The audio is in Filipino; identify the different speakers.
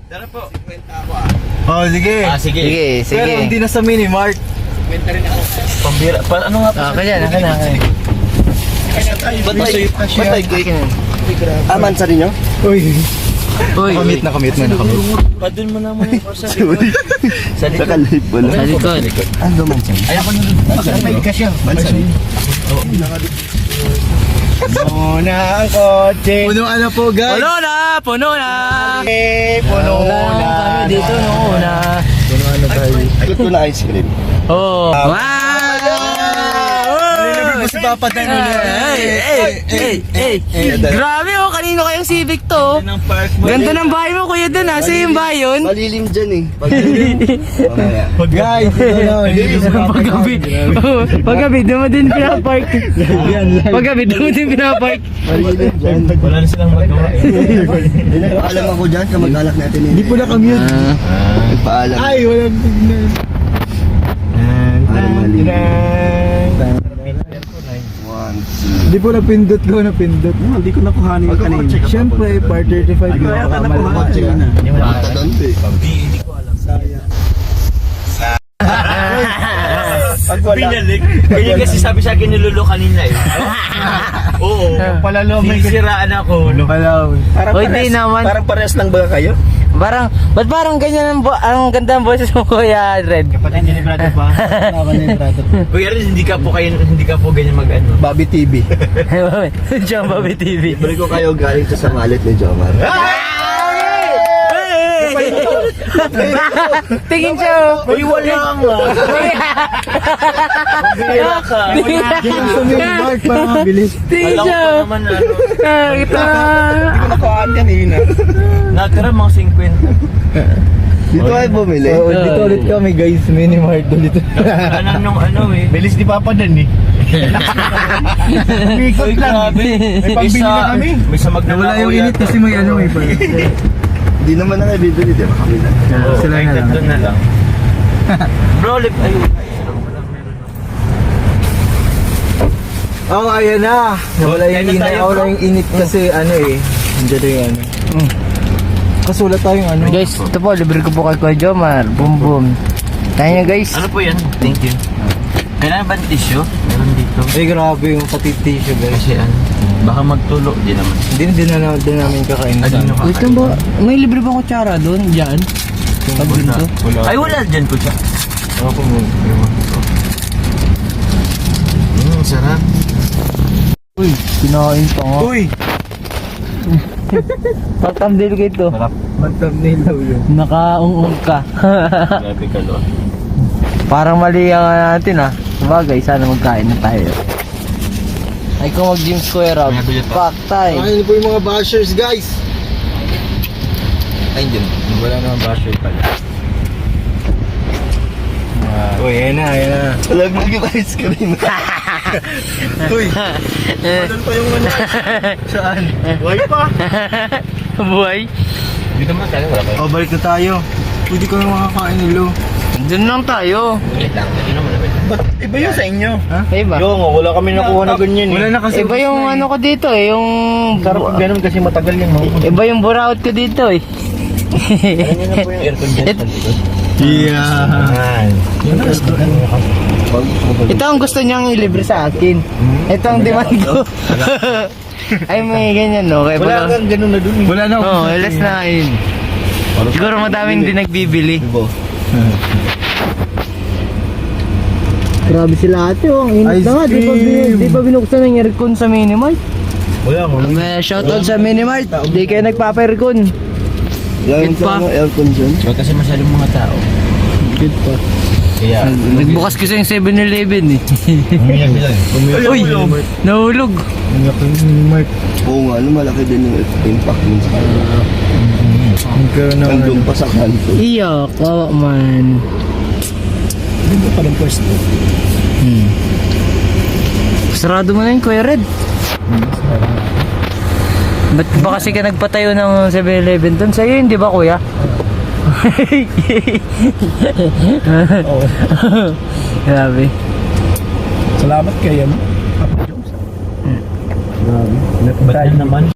Speaker 1: Tara po.
Speaker 2: 50 ako ah.
Speaker 3: Oh, sige.
Speaker 1: Sige.
Speaker 4: Sige.
Speaker 3: Pero hindi na sa Minimart.
Speaker 2: 50 rin ako.
Speaker 1: Pambira. Ano nga po?
Speaker 4: Kaya na.
Speaker 2: Ba't may cake? Aman sa ninyo?
Speaker 3: Uy.
Speaker 4: Uy.
Speaker 3: Nakamit mo.
Speaker 1: Padun mo naman yung sa likod. Sa likod.
Speaker 2: Nakalip pala.
Speaker 4: Sa likod.
Speaker 2: Ano man siya?
Speaker 1: Ay, ako nalun.
Speaker 2: May kasya. Bansa.
Speaker 3: Puno na ang kotse. Puno ano po, guys?
Speaker 4: Puno na.
Speaker 3: Puno na.
Speaker 4: Kami dito noon na.
Speaker 3: Puno ano tayo?
Speaker 2: Ikot ko na ice cream.
Speaker 4: Oh. Wow!
Speaker 3: Nilibig mo si Papa tayo ulit.
Speaker 4: Grabe oh, kanino kayong Civic to?
Speaker 1: Ng park mo.
Speaker 4: Ganda ng bahay mo kuya dun ha, sa'yo yung bahay yun?
Speaker 2: Malilim dyan eh. Mamaya.
Speaker 3: Guys, ito na.
Speaker 4: Paggabi, paggabi, doon mo din pinapark. Paggabi, doon mo din pinapark.
Speaker 2: Malilim dyan.
Speaker 1: Wala na silang magawa.
Speaker 2: Alam ako dyan, kamag-alak natin eh.
Speaker 3: Hindi po na-commute.
Speaker 2: Nagpaalam.
Speaker 3: Ay, walang tignan.
Speaker 2: Parang malilim. 1, 2.
Speaker 3: Hindi po napindot ko.
Speaker 2: Hindi ko nakuhanin yung kanina.
Speaker 3: Siyempre, part 35 ko.
Speaker 2: Baka doon eh.
Speaker 1: Hindi ko alam.
Speaker 2: Pag wala.
Speaker 1: Pinalik. Kaya kasi sabi sa akin nilolo kanina eh. Oo.
Speaker 3: Palalo, may
Speaker 1: Sinisiraan ako.
Speaker 3: Palaw.
Speaker 4: Uy, di naman.
Speaker 2: Parang parehas lang ba kayo?
Speaker 4: Parang, ba't parang ganyan ang ganda ng boses mo kuya Red?
Speaker 3: Kapatid niya ni brother pa. Ako na yung brother.
Speaker 1: Kuya Rin, hindi ka po ganyan mag-ano.
Speaker 3: Bobby TV.
Speaker 4: Diyan Bobby TV.
Speaker 2: Balik ko kayo galing sa malit ni Jomar.
Speaker 4: Tingin siya oh.
Speaker 1: Wala nga. Kaya ka.
Speaker 3: Ganyan sa Minimart para mabilis.
Speaker 4: Tingin
Speaker 1: Alam
Speaker 4: siya
Speaker 1: ko
Speaker 4: oh.
Speaker 1: naman ano.
Speaker 4: Ito.
Speaker 2: Hindi ko nakuhaan kanina.
Speaker 1: Natira mga 50.
Speaker 2: Dito ay bumili.
Speaker 3: Oo, dito ulit kami guys. Minimart ulit.
Speaker 1: Kanan nung ano eh.
Speaker 3: Bilis ni Papa dan eh. Umikot
Speaker 1: Uy,
Speaker 3: lang.
Speaker 1: grabe.
Speaker 3: May pambili na kami.
Speaker 1: May sa Magdala.
Speaker 3: Nawala yung init kasi may ano may pala.
Speaker 2: Hindi naman na bibili, di ba? Kami na.
Speaker 3: Sila na lang.
Speaker 1: Doon na lang. Bro, lip. Ayun.
Speaker 3: Oh, ayan na. Nawala
Speaker 1: Kaya
Speaker 3: yung
Speaker 1: na
Speaker 3: init.
Speaker 1: tayo,
Speaker 3: Nawala
Speaker 1: bro.
Speaker 3: yung init kasi ano eh. Nandiyan na yung ano. Kasi wala tayong ano.
Speaker 4: Guys, ito po, libre ko po kay Kuya Jomar. Boom boom. Tayo nyo guys.
Speaker 1: Ano po yan? Thank you. Kailangan ba ng tissue? Meron dito.
Speaker 3: Eh, grabe yung pati tissue guys.
Speaker 1: Kasi ano, baka magtulo. Di naman.
Speaker 3: Din namin kakain.
Speaker 1: Ay, di na
Speaker 4: Wait lang ba? May libre ba kutsara doon? Diyan? Pag dito?
Speaker 1: Ay, wala dyan po siya.
Speaker 3: Ako mo.
Speaker 1: Sarap.
Speaker 4: Uy, kinain pa nga.
Speaker 3: Uy!
Speaker 4: Pag-thumbnail ko ito.
Speaker 3: Mag-thumbnail daw yun.
Speaker 4: Nakaungong ka.
Speaker 1: Grabe ka, lo.
Speaker 4: Parang mali ang natin ah. Sabagay, sana magkain na tayo. Ay kung mag-gym square up. Pack tayo.
Speaker 3: Ayun po yung mga bashers guys.
Speaker 1: Ay, dyan. Wala naman basher pala.
Speaker 3: Uy, ayan na.
Speaker 2: Alam mo yung ice cream.
Speaker 3: Uy! Doon pa yung ano. Saan? Buhay pa.
Speaker 4: Buhay.
Speaker 1: Dito mo tayo, wala kayo.
Speaker 3: O, balik na tayo. Pwede ko yung makakain nilo.
Speaker 4: Doon lang tayo.
Speaker 1: Ulit lang. Dito naman naman.
Speaker 2: Ba't iba yun sa inyo?
Speaker 4: Iba.
Speaker 2: Yung wala kami nakuha na ganyan
Speaker 3: Wala na kasi.
Speaker 4: Iba yung ano ko dito eh, yung...
Speaker 2: Sarap ganun kasi matagal yan.
Speaker 4: Iba yung buraot ko dito eh.
Speaker 2: Ano na po yung aircon dyan?
Speaker 3: Yeah.
Speaker 4: Ito ang gusto niyang ilibre sa akin. Ito ang demand ko. Ay may ganyan no. Kaya
Speaker 2: Wala kang ganun na dun.
Speaker 3: Wala na.
Speaker 4: Oo, less na yun. Siguro madaming din nagbibili. Grabe sila ate oh, ang init
Speaker 3: Ice
Speaker 4: na nga.
Speaker 3: cream.
Speaker 4: Di pa binuksan ng aircon sa Minimart.
Speaker 3: Wala mo.
Speaker 4: May shoutout sa Minimart. Di kayo nagpapa-aircon.
Speaker 2: Lagyan
Speaker 4: Yun pa.
Speaker 2: sa aircon dyan.
Speaker 1: Kasi masyadong mga tao.
Speaker 4: Good pa.
Speaker 1: Kaya,
Speaker 4: Nagbukas kasi yung 7-Eleven eh.
Speaker 1: umiyak sila eh.
Speaker 4: Uy, nahulog.
Speaker 3: Minimart.
Speaker 2: Oo nga, ano malaki din yung impact nun sa kanila.
Speaker 3: Nagkaroon ng
Speaker 2: Nandun pa sa kanto.
Speaker 4: Iyo, kawa man.
Speaker 3: Hindi pa rin first.
Speaker 4: Sarado mo na yun, Kuya Red. Ba't ba kasi ka nagpatayo ng 7-Eleven doon? Sa'yo yun, di ba kuya? Grabe.
Speaker 3: Salamat kayo.
Speaker 1: Ba't naman?